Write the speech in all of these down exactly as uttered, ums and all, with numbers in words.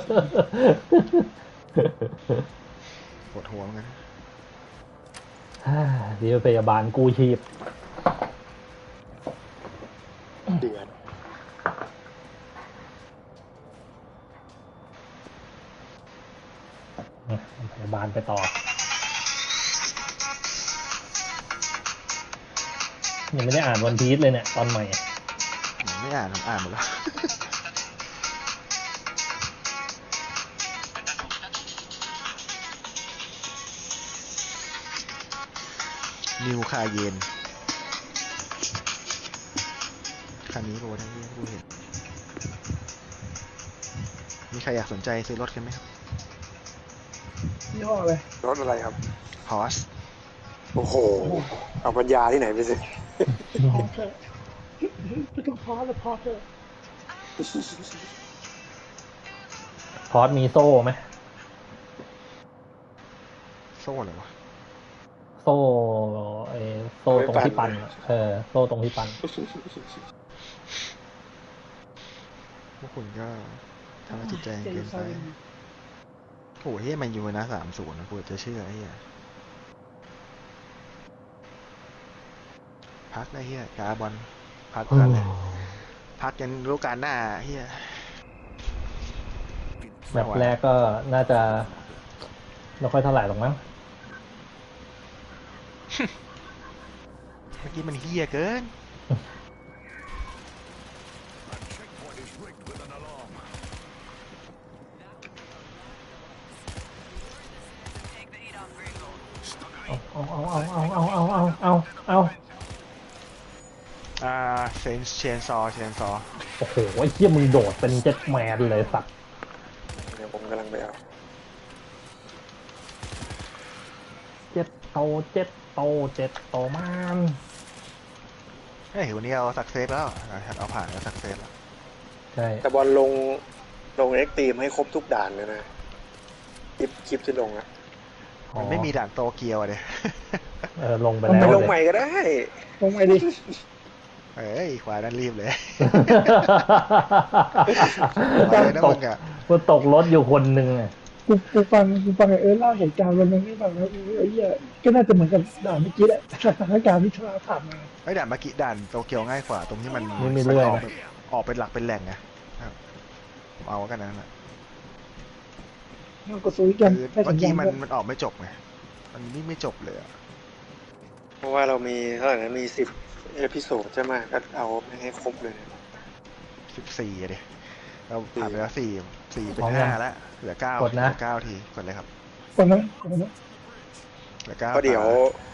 ปวดหัวเหมือนกันเดี๋ยวพยาบาลกู้ชีพเดือดพยาบาลไปต่อยังไม่ได้อ่านวันพีซเลยเนี่ยตอนใหม่ไม่อ่านผมอ่านหมดแล้วนิวคาเยนคันนี้โรทั้งที่ผู้เห็นมีใครอยากสนใจซื้อรถกันไหมครับยี่ห้ออะไรรถอะไรครับพอสโอ้โหเอาปัญญาที่ไหนไปสิพอเถอะไม่ต้องพอแล้วพอเถอะพอสมีโซ่ไหมโซ่อะไรวะโซ่ไอ้โซ่ตรงที่ปั่นเออโซ่ตรงที่ปั่นพวกคุณก็ทำให้จิตใจเกินไปโอ้โหเฮ้ยมันอยู่นะสามศูนย์นะกูจะเชื่อไอ้เหี้ยพักได้เฮียกาบอลพักกันเลยพักยันรู้การหน้าเฮียแบบแรกก็น่าจะไม่ค่อยเท่าไหร่หรอกมั้งเมื่อกี้มันเฮียเกินเอาเอาเอาเอาเอาเอาเอาเอาเอาอ่าเซนเชนซอเชนซอโอ้โหไอ้เหี้ยมึงโดดเป็นเจ็ตแมนเลยสัตว์เดี๋ยวผมกำลังไปเอาเจ็ตโตเจ็ตโตเจ็ตโตมันเฮ้ยวันนี้เอาสักเซฟแล้วเอาผ่านแล้วสักเซฟแล้วใช่แต่บอลลงลงเอ็กซ์ตรีมให้ครบทุกด่านเลยนะคลิปคลิปที่ลงอ่ะมันไม่มีด่านโตเกียวเลยเออลงไปแล้วไปลงใหม่ก็ได้ลงใหม่ดิเอ้ยขวานั่นรีบเลยตกกูตกรถอยู่คนหนึ่งอ่ะกูกูฟังกูฟังเออเล่าเหตุการณ์วันนั้นให้ฟังแล้วไอ้เหี้ยก็น่าจะเหมือนกับด่านเมื่อกี้แหละสถานการณ์ที่เราผ่านมาไอ้ด่านเมื่อกี้ด่านโตเกียวง่ายกว่าตรงที่มันไม่เรื่อยออกเป็นหลักเป็นแหล่งไงผมเอากันนั้นแหละก็ซื้อกันเมื่อกี้มันมันออกไม่จบไงมันนี่ไม่จบเลยเพราะว่าเรามีเท่าไหร่นะมีสิบเอพิโซดใช่ไหมก็เอาให้ครบเลยสิบสี่อะดิเราผ่านไปแล้วสี่สี่เป็นห้าแล้วเหลือเก้าเหลือเก้าทีกดเลยครับกดนะกดนะเหลือเก้าก็เดี๋ยว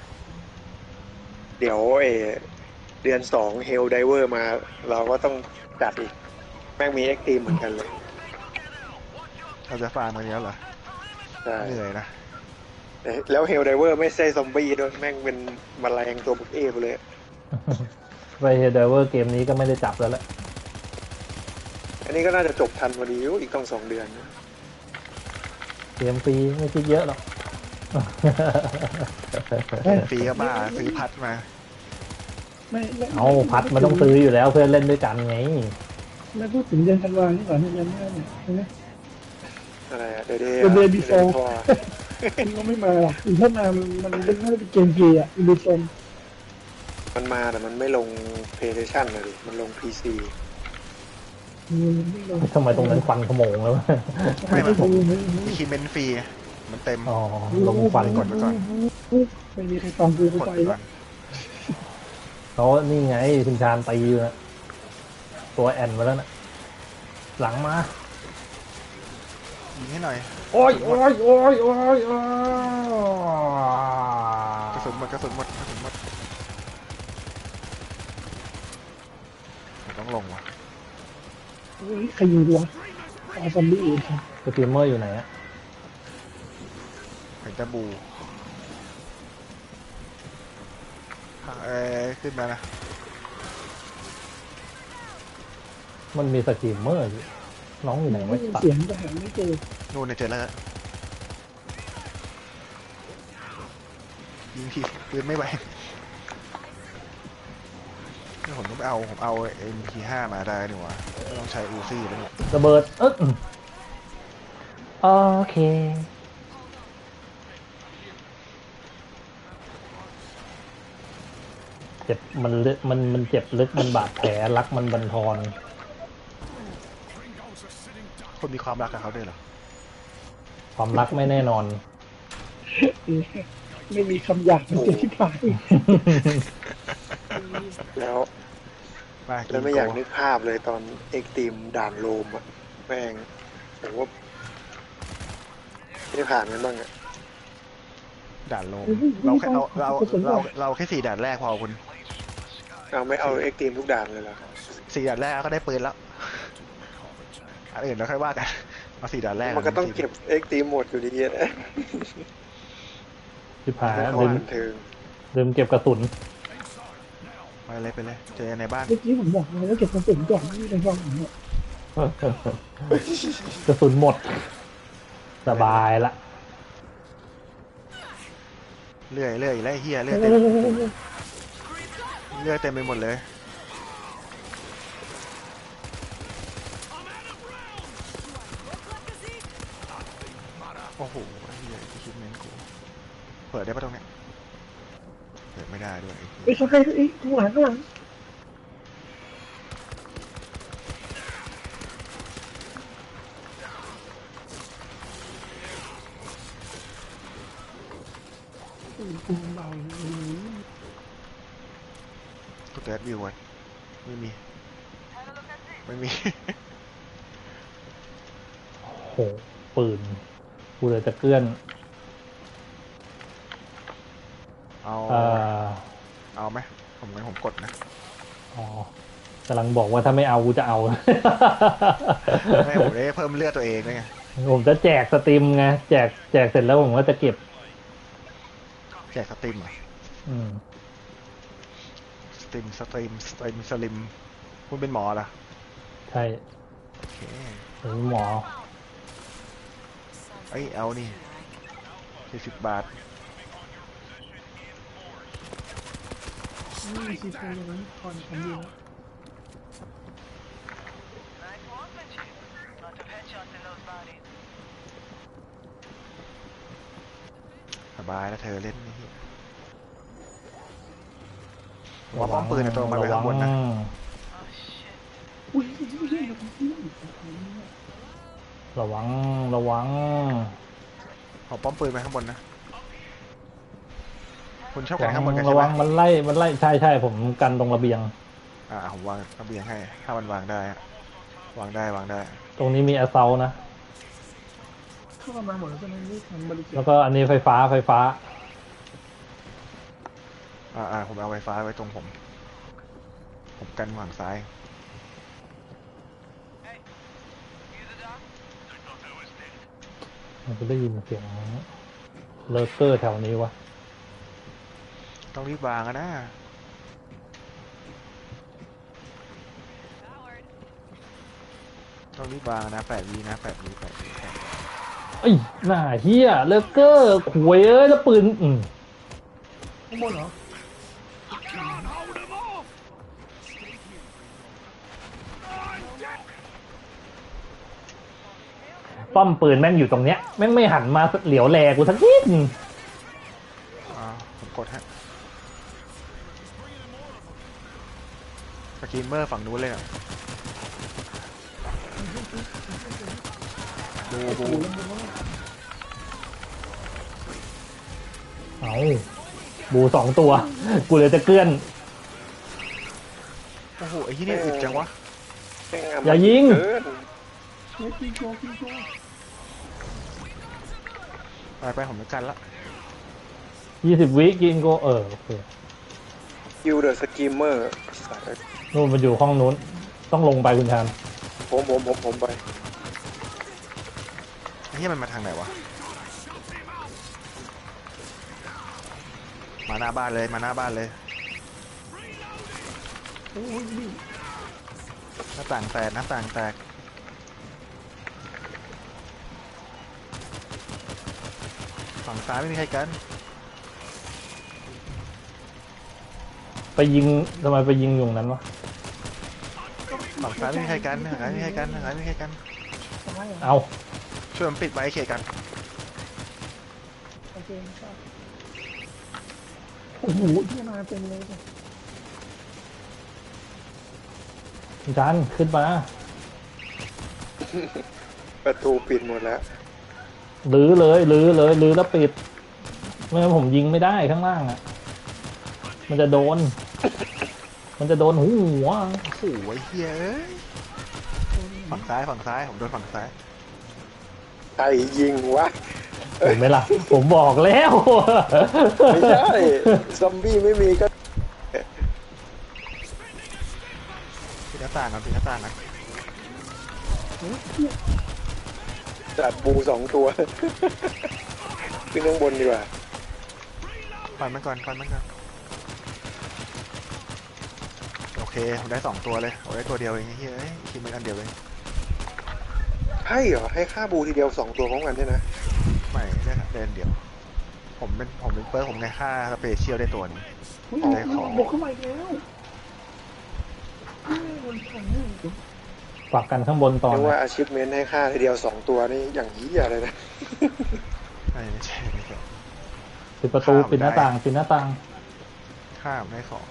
เดี๋ยวเอเดือนสองเฮลไดเวอร์มาเราก็ต้องจัดอีกแม่งมีเอ็กซ์ตรีมเหมือนกันเลยเราจะฟาร์มกันแล้วเหรอเหนื่อยนะแล้วเฮลไดเวอร์ไม่ใช่ซอมบี้ด้วยแม่งเป็นแมลงตัวบุกเอฟเลยไปเฮลไดเวอร์เกมนี้ก็ไม่ได้จับแล้วแหละอันนี้ก็น่าจะจบทันพอดีอีกต้องสองเดือนเกมฟรีไม่คิดเยอะหรอกฟรีก็บ้าซื้อพัดมาเอาพัดมันต้องซื้ออยู่แล้วเพื่อนเล่นด้วยกันไงแล้วพูดถึงเดือนธันวาคมนี่ก่อนเดือนหน้าเนี่ยใช่ไหมอะไรอะเดือนเดือนเดือนบีโฟมันก็ไม่มาหรอกถ้ามามันมันเป็นน่าจะเป็นเกมฟรีอ่ะบีโฟมันมาแต่มันไม่ลง PlayStation เลยมันลง พี ซีทำไมตรงนั้นควันขโมงแล้วไม่ไม่ผมคีย์เมนฟรีมันเต็มอ๋อลงควันกดไปก่อนไม่มีใครฟังกูไปแล้วเขานี่ไงคุณชาญตีอยู่นะตัวแอนมาแล้วนะหลังมายิงให้หน่อยโอ้ยโอ้ยโอ้ยโอ้ยกระสุนหมดกระสุนหมดกระสุนหมดต้องลงว่ะใครยิงวะอาซอมบี้อีกครับสตรีมเมอร์อยู่ไหนอะเห็นตะบูเอ้ขึ้นมานะมันมีสตรีมเมอร์อยู่น้องอยู่ไหนไม่เสียงแต่หาไม่เจอนู่นเนี่ยเจอแล้วยิงทีปืนไม่ไหวผมต้องไปเอาผมเอา เอ็ม พี ห้า มาได้นี่หว่าต้องใช้อูซี่แล้วเนี่ยระเบิดเอ๊ะโอเคเจ็บมันลึกมันมันเจ็บลึกมันบาดแผลรักมันบั่นทอนคนมีความรักกับเขาด้วยเหรอความรักไม่แน่นอนไม่มีคำหยาบมันเจ็บที่ปากแล้วไปกิแล้วนไม่โกอยากนึกภาพเลยตอนเอ็กตีมด่านโลมอะแม่งผมว่าไม่ได้ผ่านกันบ้างอะด่านโลมเราแค่เราเราเราเราแค่สี่ด่านแรกพอคุณเอาไม่เอาเอ็กตีมทุกด่านเลยเหรอสี่ด่านแรกก็ได้ปืนแล้วอันอื่นเราค่อยว่ากันมาสี่ด่านแรกมันก็ต้องเก็บเอ็กตีมหมดอยู่ดีนะที่ผ่านไม่ลืเข้าม บันเทิงลืมเก็บกระสุนไปเลยไปเลยเจอในบ้านเมื่อกี้ผมบอกเลยว่าเก็บกระสุนก่อนไม่ได้ฟังผมเนี่ยกระสุนหมด สบายละเลื่อยเลื่อยไล่เฮียเลื่อยเอเต็มอเลื่อยเต็มไปหมดเลยโอ้โหเฮียคิดเมนกูเปิดได้ปะตรงเนี้ยเปิดไม่ได้ด้วยไอ้เขาใครไอ้ข้างหลังข้างหลังกูเบากูเติร์ดวิวก่อนไม่มีไม่มีโหปืนกูเลยจะเกลื่อนเอาเอ่อเอาไหมผมงั้นผมกดนะอ๋อกำลังบอกว่าถ้าไม่เอากูจะเอาไม่ผมได้เพิ่มเลือดตัวเองด้วยไงผมจะแจกสตรีมไงแจกแจกเสร็จแล้วผมก็จะเก็บแจกสตรีมเหรออืมสตรีมสตรีมสตรีมสลิมคุณเป็นหมอเหรอใช่โอเคผมหมอเอ้ยเอานี่สี่สิบบาทนี่ซีซั่นนั้นก่อนผมอยู่สบายแล้วเธอเล่นนี่ผมว่าป้อมปืนในตัวมันไปข้างบนนะอุ้ยระวังระวังเอาป้อมปืนไปข้างบนนะคุณชอบกันข้างบนกันใช่ระไหมวังมันไล่มันไล่ใช่ใช่ผมกันตรงระเบียงอ่าผมวางระเบียงให้ถ้ามันวางได้อะวางได้วางได้ตรงนี้มีแอสเซลนะเข้ามาหมดแล้วใช่ไหมนี่ทำบริจาแล้ควก็อันนี้ไฟฟ้าไฟฟ้าอ่าอ่าผมเอาไฟฟ้าไว้ตรงผม ผมกันฝั่งซ้ายมันจะได้ยินเสียงเลอร์เกอร์แถวนี้วะต้องรีบวางอะนะต้องรีบวางนะแปดวีนะแปดวีแปดวีแปดวีเอ้ยหน้าเฮียเลอร์เกอร์ขวยเอ้ยแล้วปืนอืมข้างบนเหรอป้อมปืนแม่งอยู่ตรงเนี้ยแม่งไม่หันมาเหลียวแลกูสักนิดอ่าผมกดฮะสกรีมเมอร์ฝั่งนู้นเลยอ่ะบูบูเอาบูสองตัว กูเลยจะเกลื่อนโอ้โหไอ้ที่นี่อึดจังวะแม่งอย่ายิงเกินเฮ้ยกินโกกินโกไปไปผมจะกันละยี่สิบวิกินโกเออโอเคยูเดอะสกีมเมอร์นู่นมันอยู่ห้องนู้น ต้องลงไปคุณชานผมผมผมผมไปไอ้ที่มันมาทางไหนวะมาหน้าบ้านเลยมาหน้าบ้านเลยโอ้ยนี่หน้าต่างแตกหน้าต่างแตกฝั่งซ้ายไม่มีใครกันไปยิงทำไมไปยิงอยู่ตรงนั้นวะฝั่งซ้ายไม่มีใครกันฝั่งซ้ายไม่มีใครกันฝั่งซ้ายไม่มีใครกันตายเหรอเอาช่วยมันปิดไว้เขตกันโอเคครับโอ้โหที่มาเต็มเลยคุณชันขึ้นมาประตูปิดหมดแล้วลื้อเลยลื้อเลยลื้อแล้วปิดไม่งั้นผมยิงไม่ได้ข้างล่างอ่ะมันจะโดน มันจะโดนหัวโอ้โหไอ้เหี้ยเอ้ยฝั่งซ้ายฝั่งซ้ายผมโดนฝั่งซ้ายใครยิงวะเห็นไหมล่ะ ผมบอกแล้วไม่ใช่ซอมบี้ไม่มีก็ปิดหน้าต่างกันปิดหน้าต่างกันจัดบูสองตัว ขึ้นข้างบนดีกว่าฟันมันก่อนฟันมันก่อนโอเคผมได้สองตัวเลยผมได้ตัวเดียวเองไอ้เหี้ยเอ้ยคิดมันอันเดียวเองให้เหรอ ให้ค่าบูทีเดียวสองตัวพร้อมกันใช่ไหมไม่ได้เดินเดียว ผมเป็นผมเป็นเปิร์ผมไงค่าสเปเชียลได้ตัวหนึงอุ้ยได้ของบุกเข้ามาอีกแล้วมันแข็งนี่ปักกันข้างบนต่อเรียกว่านะอาชีพเมนให้ค่าทีเดียวสองตัวนี่อย่างนี้อะไรนะไม่ไม่ใช่ไม่ใช่ปิดประตูปิดหน้าต่างปิดหน้าต่างค่าไม่ของ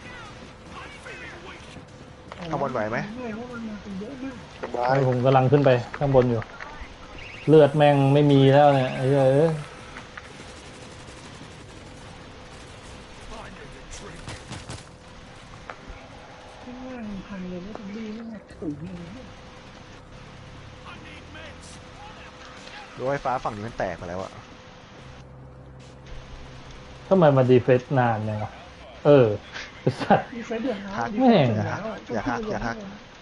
ข้างบนไหวไหมไม่เพราะมันมาเป็นเยอะมากสบายให้ผมกำลังขึ้นไปข้างบนอยู่ เลือดแม่งไม่มีแล้วเนี่ยไอ้เหี้ยเอ้ยข้างล่างพังเลยไม่ต้องดีไม่หนักตุ๋ยเลยรั้วไฟฟ้าฝั่งนี้มันแตกไปแล้วอะทำไมมาดีเฟสนานเนี่ยเออไอ้สัตว์ดีไซน์เดือดร้อนแม่งอย่าทักอย่าทัก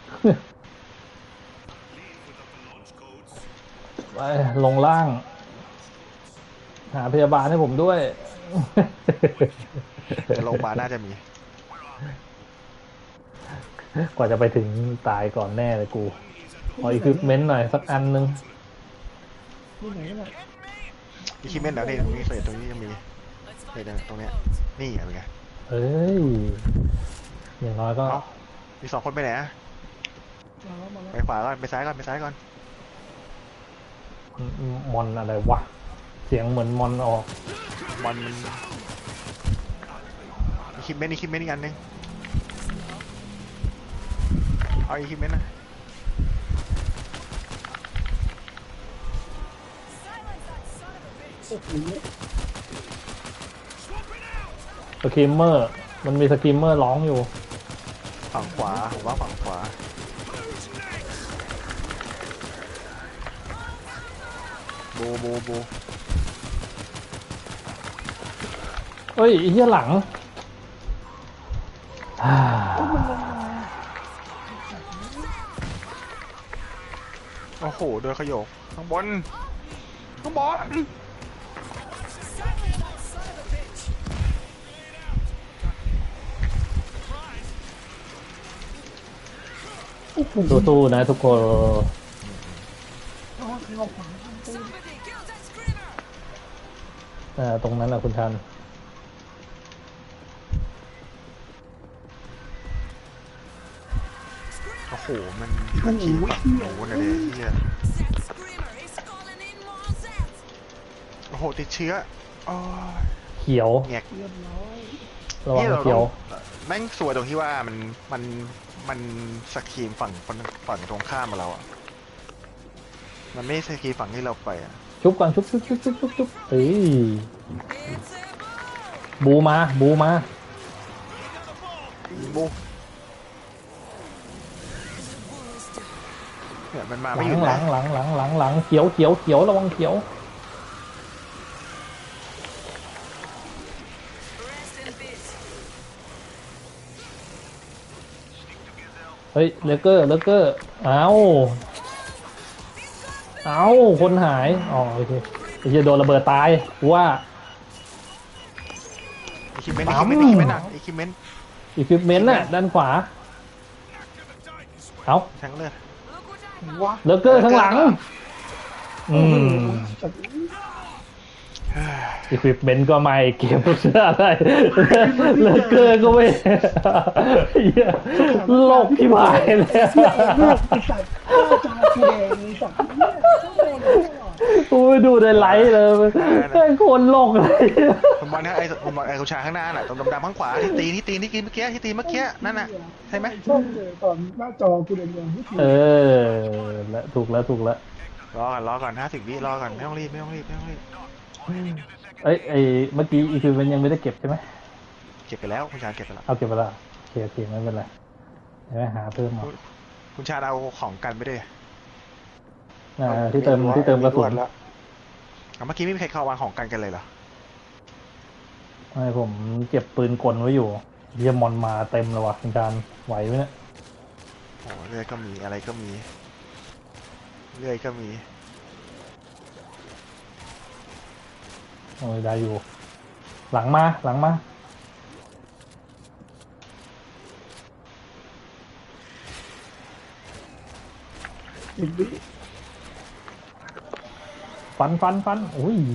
ไปลงล่าง หาพยาบาลให้ผมด้วยแต่โรงพยาบาลน่าจะมีกว่าจะไปถึงตายก่อนแน่เลยกูขออีควิปเมนต์หน่อยสักอันนึงที่ไหนก็ได้อีคิเมนแล้วนี่ตรงนี้เศษตรงนี้ยังมีเศษตรงเนี้ยนี่อะไรไงเอ้ย อย่างน้อยก็เอ้ามีสองคนไปไหนอะมาแล้วมาแล้วไปขวาก่อนไปซ้ายก่อนไปซ้ายก่อนมอนอะไรวะ เสียงเหมือนมอนออกบอลมันอีคิเมนอีคิเมนอีกอันหนึงเอาอีคิเมนนะโอ้โหสกิมเมอร์ มันมีสกิมเมอร์ร้องอยู่ฝั่งขวาผมว่าฝั่งขวาบูบูบูเอ้ยไอ้เหี้ยหลังอ่าโอ้โหโดนขยโยกข้างบนข้างบนโอ้โหสู้ๆนะทุกคนเอาใครเอาขวาตู้อ่าตรงนั้นนะคุณชันโอ้โหมันมันขี่ฝั่งโน้นเลยเฮียโอ้โหติดเชื้อโอ้ยเขียวแงกเรียบร้อยระวังนี่ราเขียวแม่งสวยตรงที่ว่ามันมันมันสกรีมฝั่งฝั่งฝั่งตรงข้ามมาเราอ่ะมันไม่สกรีมฝั่งที่เราไปอ่ะชุบก่อนชุบชุบชุบชุบชุบชุบเอ้ยบูมาบูมาบูเนี่ยมันมาหไม่ลัหยุดงหลันะงหลังหลังหลังหลังเขียวเขียวเขียวระวังเขียวเฮ้ยเลเกอร์เลเกอร์เอาเอาคนหายอ๋อโอเคไอ้เหี้ยโดนระเบิดตายกูว่าอีคิเมนอีคิเมนอีคิเมนอ่ะอีคิเมนอีควิปเมนต์น่ะด้านขวาเอาแทงเลือดว้าเลเกอร์ข้างหลังอืมจับอีควิปเมนต์ก็ไม่เก็บเสื้ออะไรเลเกอร์ก็ไม่เหี้ยโลกที่หายเลยเสื้อเลือกไอ้สัตว์ข้าจาแดงไอ้สัตว์เนี่ยกูไปดูในไลฟ์เลยแม่งโคนโลกเลยคุณบอลนะไอ้คุณบอลไอ้คุณชายข้างหน้าน่ะตรงดำๆข้างขวาที่ตีที่ตีที่กินเมื่อกี้ที่ตีเมื่อกี้นั่นน่ะใช่ไหมช่องเลยตอนหน้าจอกูแดงๆที่ทีเออแล้วถูกแล้วถูกแล้วรอก่อนรอก่อนห้าสิบวิรอก่อนไม่ต้องรีบไม่ต้องรีบไม่ต้องรีบเอ้ยไอเมื่อกี้อีคือมันยังไม่ได้เก็บใช่ไหมเก็บไปแล้วคุณชายเก็บไปแล้วเอาเก็บไปและโอเคโอเคไม่เป็นไรเดี๋ยวหาเพิ่มมาคุณชายเอาของกันไปด้วยอ่าที่เติมที่เติมกระสุนแล้วเอาเมื่อกี้ไม่มีใครเข้าวางของกันกันเลยเหรอไม่ผมเก็บปืนกลไว้อยู่เยี่ยมมอนมาเต็มเลยว่ะคุณจานไหวไหมเนี่ยโอ้เรื่อยก็มีอะไรก็มีเรื่อยก็มีโอ้ยได้อยู่ หลังมาหลังมาอีกวิฟันฟันฟันอุ้ย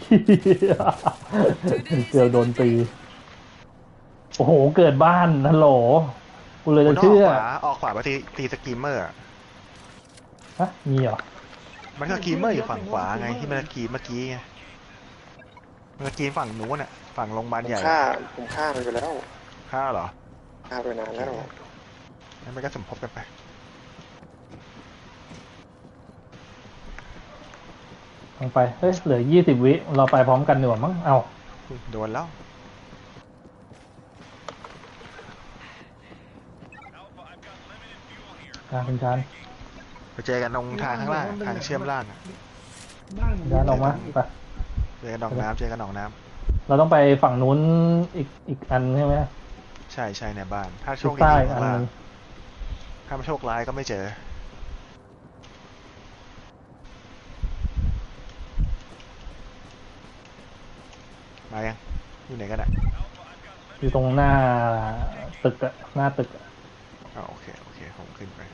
เกือบโดนตีโอ้โหเกิดบ้านฮัลโหลกูเลยจะเชื่อออกขวาออกขวาไปตีตีสกีมเมอร์อะฮะมีเหรอมันสกีมเมอร์อยู่ฝั่งขวาไงที่มันสกีเมื่อกี้ไงมันสกีฝั่งนู้นน่ะฝั่งโรงพยาบาลผมใหญ่ฆ่าผมฆ่ามันไปแล้วฆ่าเหรอฆ่าไปนานแล้วงั้นมันก็สมทบกันไปลงไปเฮ้ยเหลือยี่สิบวิเราไปพร้อมกันดีกว่ามั้งเอาโดนแล้วอ่าคุณชานไปเจอกันตรงทางข้างล่างทางเชื่อมล่างอะบ้านชานออกมาไปเจอกันหนองน้ำเจอกันหนองน้เราต้องไปฝั่งนู้นอีกอีกอันใช่ไหมำใช่ใช่ในบ้าน ถ้าโชทิศคดีใต้ข้าอันงล่านึงงถ้าไม่โชคร้ายก็ไม่เจอมายังอยู่ไหนกันอ่ะอยู่ตรงหน้าตึกอะหน้าตึกอะอ๋อโอเคโอเคผมขึ้นไป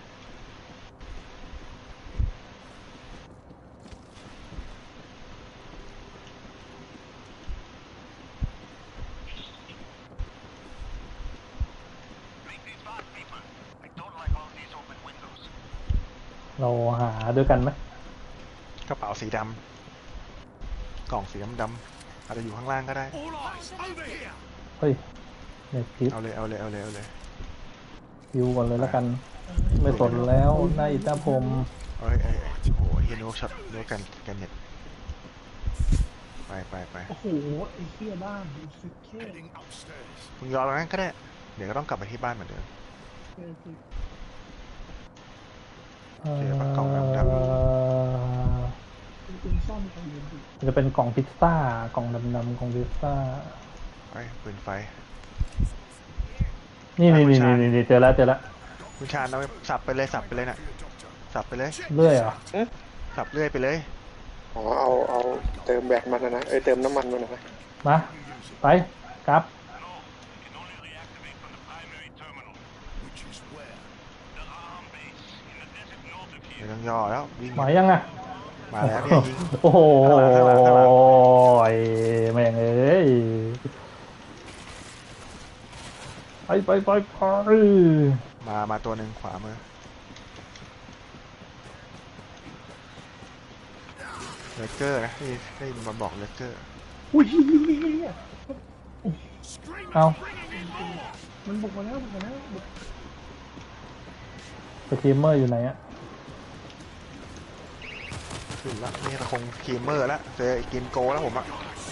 เราหาด้วยกันไหมกระเป๋าสีดำกล่องสีดำดำๆอาจจะอยู่ข้างล่างก็ได้เฮ้ยเน็ตคิดเอาเลยเอาเลยเอาเลยเอาเลยคิวก่อนเลยแล้วกัน ไม่สนแล้วนายอิตาผมเอ้ยเอ้ยเอ้ยโอ้โหเฮียนุกช็อตนุกกันกันเน็ตไปไปไปโอ้โหไอ้เหี้ยบ้านสุดเท่มึงรอตรงนั้นก็ได้ เดี๋ยวก็ต้องกลับไปที่บ้านเหมือนเดิมเอ่เดี๋ยวมันกล่องดำอเป็นซ่อมของเงินดิจะเป็นกล่องพิซซ่ากล่องดำๆกล่องพิซซ่าไปปืนไฟนี่นี่อ่ะคุณนี่ชาญนี่นี่เจอแล้วเจอแล้วคุณชาญเอาสับไปเลยสับไปเลยน่ะสับไปเลยเรื่อยเหรอสับเรื่อยไปเลยอ๋อเอาเอาเติมแบตมันนะนะเอ้ยเติมน้ำมันมันนะนะมาไปกลับไม่ต้องย่อแล้ววิ่งหมายยังอ่ะมาแล้วเนี่ยยิงโอ้โหข้างหลังข้างหลังข้างหลังแม่งเอ้ยไปไปไปไปมามาตัวหนึ่งขวามือเลเกอร์นะที่ได้มาบอกเลเกอร์อุ้ยเอามันบุกมาแล้วบุกมาแล้วบุกสตรีมเมอร์อยู่ไหนอะขึ้นละนี่เราคงคีมเมอร์แล้วเจอไอ้กินโกแล้วผมอะ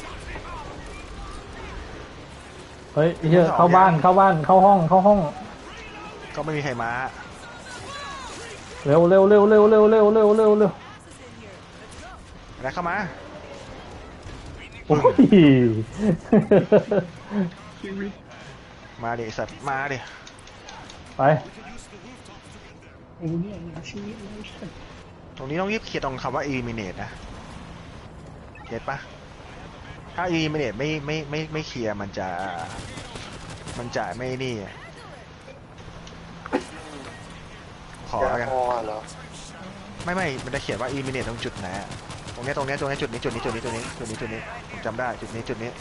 เฮ้ยเฮียเข้าบ้านเข้าบ้านเข้าห้องเข้าห้องก็ไม่มีใครมาเร็วเร็วเร็วเร็วเร็วเร็วเร็วเร็วเร็วแล้วเข้ามาโอ้ยชีวิตมาดิสัตว์มาดิไปโอ้เนี่ยเนี่ยชีวิตเลยตรงนี้ต้องรีบเคลียร์ตรงคำว่า eliminate นะเก็ตปะถ้า eliminate ไม่ไม่ไม่ไม่เคลียร์มันจะมันจะไม่นี่ขอแล้วกันพอเหรอไม่ไม่มันจะเขียนว่า eliminate ตรงจุดไหนอะตรงเนี้ยตรงเนี้ยตรงเนี้ยจุดนี้จุดนี้จุดนี้จุดนี้จุดนี้จุดนี้ผมจำได้จุดนี้จุดนี้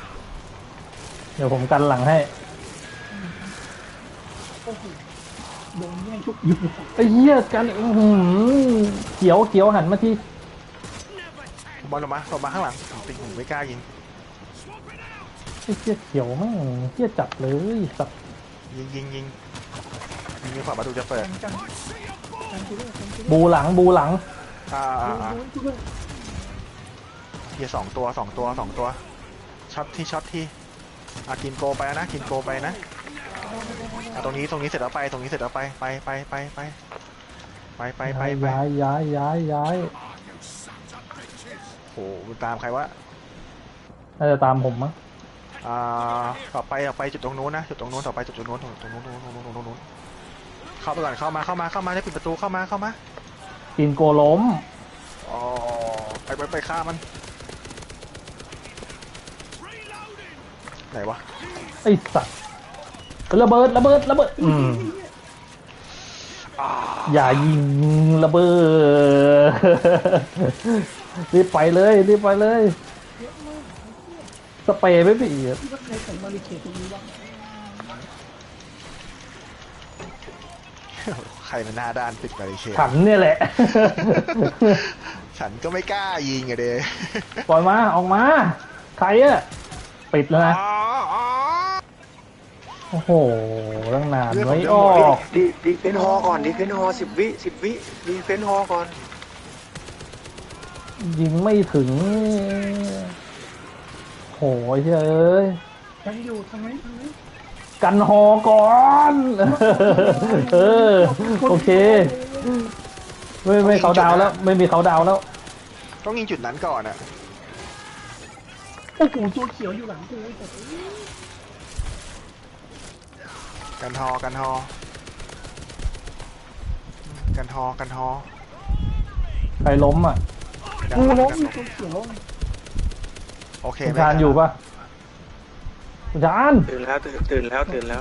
เดี๋ยวผมกันหลังให้โอ้โหโดนแย่งทุกอยู่ไอ้เหี้ยกันอื้อหือเขียวเขียวหันมาที่บอลลงมาลงมาข้างหลังผมติงผมไม่กล้ายิงไอ้เหี้ยเขียวแม่งเหี้ยจัดเลยสัตว์ยิงยิงยิงยิงดีกว่าประตูจะเปิดกันกันกันกูด้วยกันกูด้วยบูหลังบูหลังอ่าอ่าอ่าโดนกูด้วยเฮียสองตัวสองตัวสองตัวช็อตที่ช็อตที่อ่ะกินโกไปนะกินโกไปนะอ่ะตรงนี้ตรงนี้เสร็จแล้วไปตรงนี้เสร็จแล้วไปไปไปไปไปไปไปไปไปย้ายย้ายย้ายย้ายโหตามใครวะน่าจะตามผมมั้งอ่าต่อไปต่อไปจุดตรงนู้นนะจุดตรงนู้นต่อไปจุดตรงนู้นตรงตรงนู้นตรงนู้นตรงนู้นตรงนู้นเข้าไปก่อนเข้ามาเข้ามาเข้ามาได้ปิดประตูเข้ามาเข้ามากินโกล้มอ๋อไปไปไปฆ่ามันไหนวะไอ้สัตว์ระเบิดระเบิดระเบิดอืมอ่าอย่ายิงระเบิด รีบไปเลยรีบไปเลยสเปรย์ไม่ปีที่ว่าใครใส่บาริเคดตรงนี้วะใครมันหน้าด้านปิดบาริเคดขันเนี่ยแหละฉันก็ไม่กล้ายิงอะเด้ปล่อยมาออกมาใครอะปิดแล้วนะอ๋ออ๋อโอ้โหตั้งนานเรื่องของไม่เรื่องอหมดอกดีดีเฟนฮอก่อนดีเฟนฮอสิบวิสิบวิดีเฟนฮอก่อนยิงไม่ถึงโหยเอ้ยยังอยู่ทางไหนทางไหนกันหอก่อน เออโอเคไม่ไม่เขาดาวแล้ว ไม่มีเขาดาวแล้วต้องยิงจุดนั้นก่อนอะโอ้โหตัวเขียวอยู่หลังกูไอ้สัตว์กันฮอกันฮอกันฮอกันฮอใครล้มอ่ะกันกูฮอล้มกันอยู่ฮอตัวเขียวโอเคคุณไม่ชานอยู่ปะคุณชานตื่นแล้วตื่นตื่นแล้วตื่นแล้ว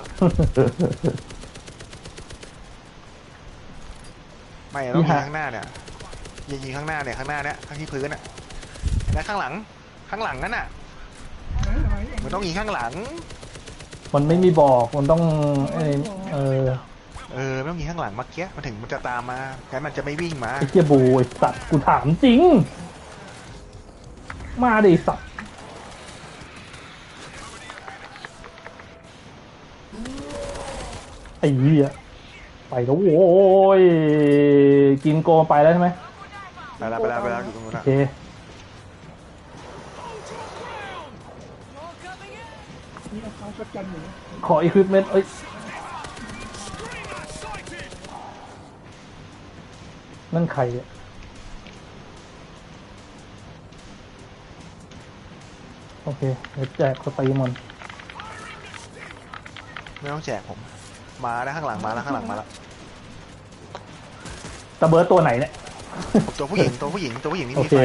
ไม่ต้องยิงข้างหน้าเนี่ยยิงยิงข้างหน้าเนี่ยข้างหน้าเนี่ยข้างที่พื้นอะและข้างหลังข้างหลังนั่นน่ะไหนไหนมันต้องยิงข้างหลังมันไม่มีบอกมันต้องเออเออเออไม่ต้องยิงข้างหลังเมื่อกี้มันถึงมันจะตามมางั้นมันจะไม่วิ่งมาไอ้เกียบูไอ้สัตว์กูถามจริง มาดิสัตว์ไอ้เหี้ยไปแล้วโว้ยกินโกไปแล้วใช่ไหมไปแล้วไปแล้วไปแล้วอยู่ตรงนู้นโออะเคนี่เอาเขาช็อตกันอยู่ขออีควิปเมนต์เอ้ยนั่นใครอะโอเคเดี๋ยวแจกสตีมอนไม่ต้องแจกผมมาแล้วข้างหลังมาแล้วข้างหลังมาแล้วตะเบิร์ดตัวไหนเนี่ยตัวผู้หญิงตัวผู้หญิงตัวผู้หญิงนี่โอมีเคไฟ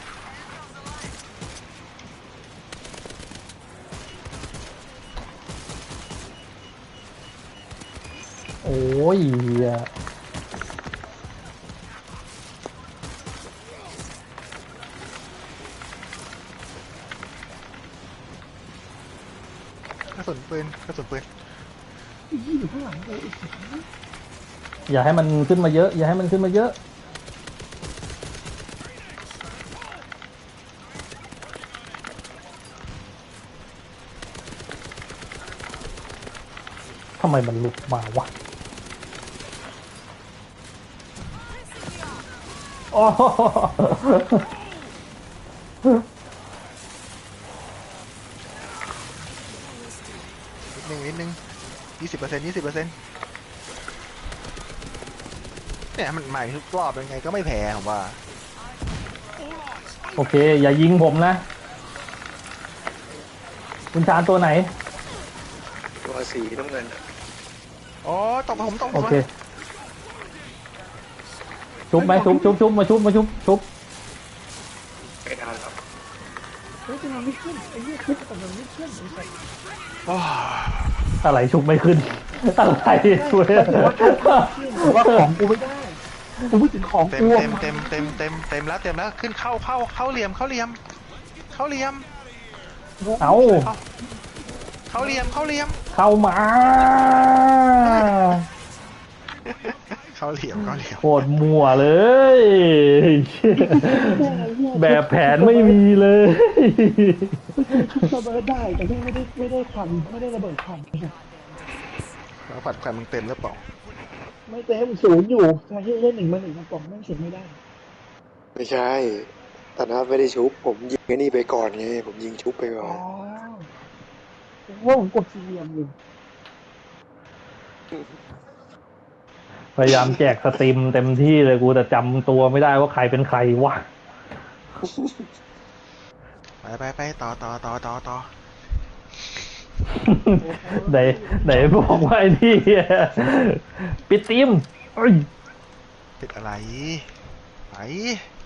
โอ้ยเหี้ยกระสุนปืนกระสุนปืนยี่อยู่ข้างหลังกูไอ้สัตว์อย่าให้มันขึ้นมาเยอะ อย่าให้มันขึ้นมาเยอะทำไมมันหลุดมาวะโอ้นิดนึงนิดนึงยี่สิบเปอร์เซ็นต์ยี่สิบเปอร์เซ็นต์เนี่ยมันใหม่ทุกรอบยังไงก็ไม่แพ้ผมว่าโอเค อย่ายิงผมนะ คุณชานตัวไหนตัวสีน้ำเงินอะอ๋อตบผมตบผโอมเค ชุบไหมชุบชุบชุบมาชุบมาชุบชุบไม่ทันแล้วเฮ้ยจะมันไม่ขึ้นไอ้เนี่ยขึ้นแต่มันไม่ขึ้นไอ้สัตว์อ๋ออะไรชุบไม่ขึ้น อะไรช่วยว่าของกูไม่ได้กูพูดถึงของเต็มกูเต็มเต็มเต็มเต็มเต็มแล้วเต็มแล้วขึ้นเข้าเข้าเข้าเหลี่ยมเข้าเหลี่ยมเข้าเหลี่ยมเอาเข้าเหลี่ยมเข้าเหลี่ยมเข้ามาเข้าเหลี่ยมเข้าเหลี่ยมโคตรมั่วเลย แบบแผนไม่มีเลยชุบระเบิดได้แต่ไม่ได้ไม่ได้ควันไม่ได้ระเบิดควันแล้วผัดแควนมึงเต็มหรือเปล่าไม่เต็มศูนย์อยู่ใช่เล่นหนึ่งมาหนึ่งกระป๋องไม่เสร็จไม่ได้ไม่ใช่ตอนนั้นไม่ได้ชุบผมยิงไอ้นี่ไปก่อนไงผมยิงชุบไปก่อ๋ออน ผมว่าผมกดสี่เหลี่ยมอยู่พยายามแจกสตรีมเต็มที่เลยกูแต่จำตัวไม่ได้ว่าใครเป็นใครวะไปไปไปต่อต่อต่อต่อต่อไหนไหนบอกว่าไอ้นี่ปิดทีมเอ้ยติดอะไรไป